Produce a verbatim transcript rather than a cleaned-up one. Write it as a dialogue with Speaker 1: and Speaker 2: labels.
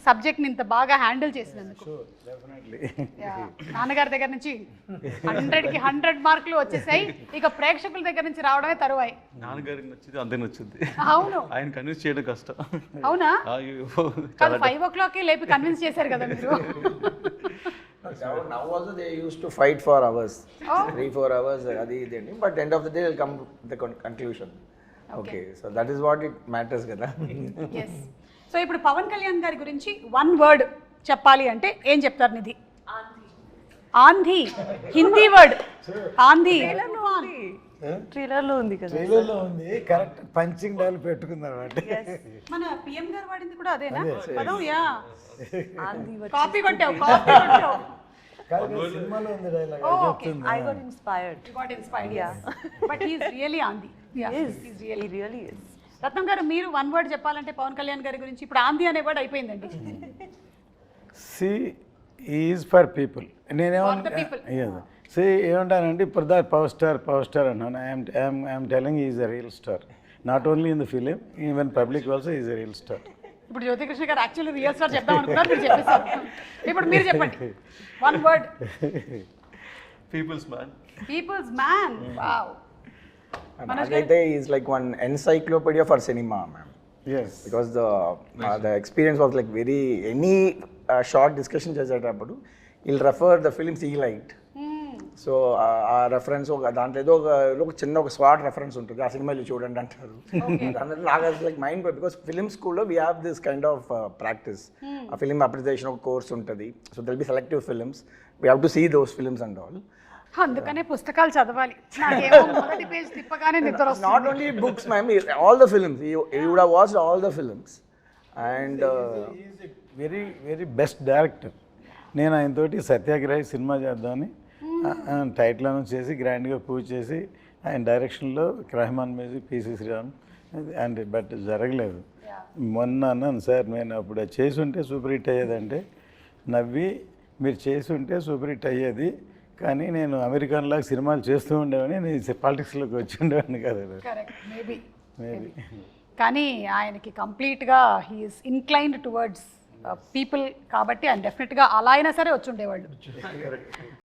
Speaker 1: సబ్జెక్ట్ని ఇంత బాగా హ్యాండిల్ చేసినందుకు. నాన్నగారి దగ్గర నుంచి హండ్రెడ్కి హండ్రెడ్ మార్కులు వచ్చేసాయి, ఇక ప్రేక్షకుల దగ్గర నుంచి రావడమే తరువాయి.
Speaker 2: నాన్నగారికి నచ్చింది అంతే నచ్చింది.
Speaker 1: అవును,
Speaker 2: ఆయన కన్విన్స్ చేయడం కష్టం.
Speaker 1: అవునా? కాదు, ఫైవ్ ఓ క్లాక్కి లేపి కన్విన్స్ చేశారు కదా మీరు.
Speaker 3: Now also they used to fight for hours, oh. three four hours. Adi ideni, but end of the day they'll come to the con- conclusion. Okay. okay, so that is what it matters kada.
Speaker 1: Yes. So ఇప్పుడు పవన్ కళ్యాణ్ గారి గురించి one word చెప్పాలి అంటే ఏం చెప్తారు నిధి? ఆంధీ. Hindi word ఆంధీ.
Speaker 4: Trailer లో ఉంది కదా,
Speaker 5: ట్రైలర్ లో ఉంది. కరెక్ట్ పంచింగ్ డైల్ పెట్టుకుందాం అంటే
Speaker 1: మన పిఎం గారు వాడింది కూడా అదేనా పదం? యా,
Speaker 4: ఆంధీ
Speaker 1: కాపీ కొట్టావు, కాపీ కొట్టావు.
Speaker 5: సినిమాలో ఉంది dialogue.
Speaker 4: I got inspired.
Speaker 1: You got inspired, yeah. But he is really aandhi. Yeah,
Speaker 4: He is.
Speaker 1: he's really.
Speaker 4: He really is.
Speaker 1: Ratnam గారు, మీరు వన్ వర్డ్ చెప్పాలంటే పవన్ కళ్యాణ్ గారి గురించి ఇప్పుడు ఆంధీ అనే వర్డ్ అయిపోయిందండి.
Speaker 5: C is for people.
Speaker 1: For the people.
Speaker 5: నేనేమో సి ఏమంటానంటే ఇప్పుడు the power star power star అన్నాను. I'm I'm I'm telling is a real star, not only in the film, even public also is a real star.
Speaker 1: ఇప్పుడు జ్యోతికృష్ణ గారు actually real star చెప్దాం అనుకున్నారు, మీరు చెప్పేశారు. ఇప్పుడు మీరు చెప్పండి one word.
Speaker 2: People's man.
Speaker 1: People's man. Wow.
Speaker 3: Nagaite is like one encyclopedia for cinema, ma'am.
Speaker 5: Yes.
Speaker 3: Because the uh, the experience was like very any uh, short discussion చేసేటప్పుడు he'll refer the films he liked. So ఆ reference ఒక దాంట్లో ఏదో ఒక ఒక చిన్న ఒక swat reference ఉంటుంది, ఆ సినిమాలు చూడండి అంటారు. దాంట్లో నాకు లైక్ మైండ్, బికాస్ ఫిలిం స్కూల్లో we have this kind of practice. ఆ ఫిలిం అప్రిసియేషన్ ఒక కోర్స్ ఉంటుంది. So they'll be selective films, we have to see those films and all.
Speaker 1: అందుకనే పుస్తకాలు చదవాలి. నాకేమో మొదటి పేజ్ తిప్పగానే నిద్ర వస్తుంది.
Speaker 3: Not only books ma'am, all the films you would have watched all the films. And
Speaker 5: very very best director. నేను ఆయనతోటి సత్యాగ్రహి సినిమా చేద్దామని టైటిల్ అనౌన్స్ చేసి గ్రాండ్గా పూజ చేసి ఆయన డైరెక్షన్లో Rahman music, PC Sriram and but జరగలేదు. మొన్న అన్నాను, సార్ నేను అప్పుడు చేసి ఉంటే సూపర్ హిట్ అయ్యేదంటే నవ్వి, మీరు చేసి ఉంటే సూపర్ హిట్ అయ్యేది, కానీ నేను అమెరికన్లాగా సినిమాలు చేస్తూ ఉండేవాడిని, నేను పాలిటిక్స్లోకి వచ్చి ఉండేవాడిని కదా.
Speaker 1: మేబీ
Speaker 5: మేబీ
Speaker 1: కానీ ఆయనకి కంప్లీట్గా హీఈస్ ఇన్క్లైన్డ్ టువర్డ్స్ పీపుల్ కాబట్టి ఆయన డెఫినెట్గా అలా అయినా సరే వచ్చి ఉండేవాళ్ళు.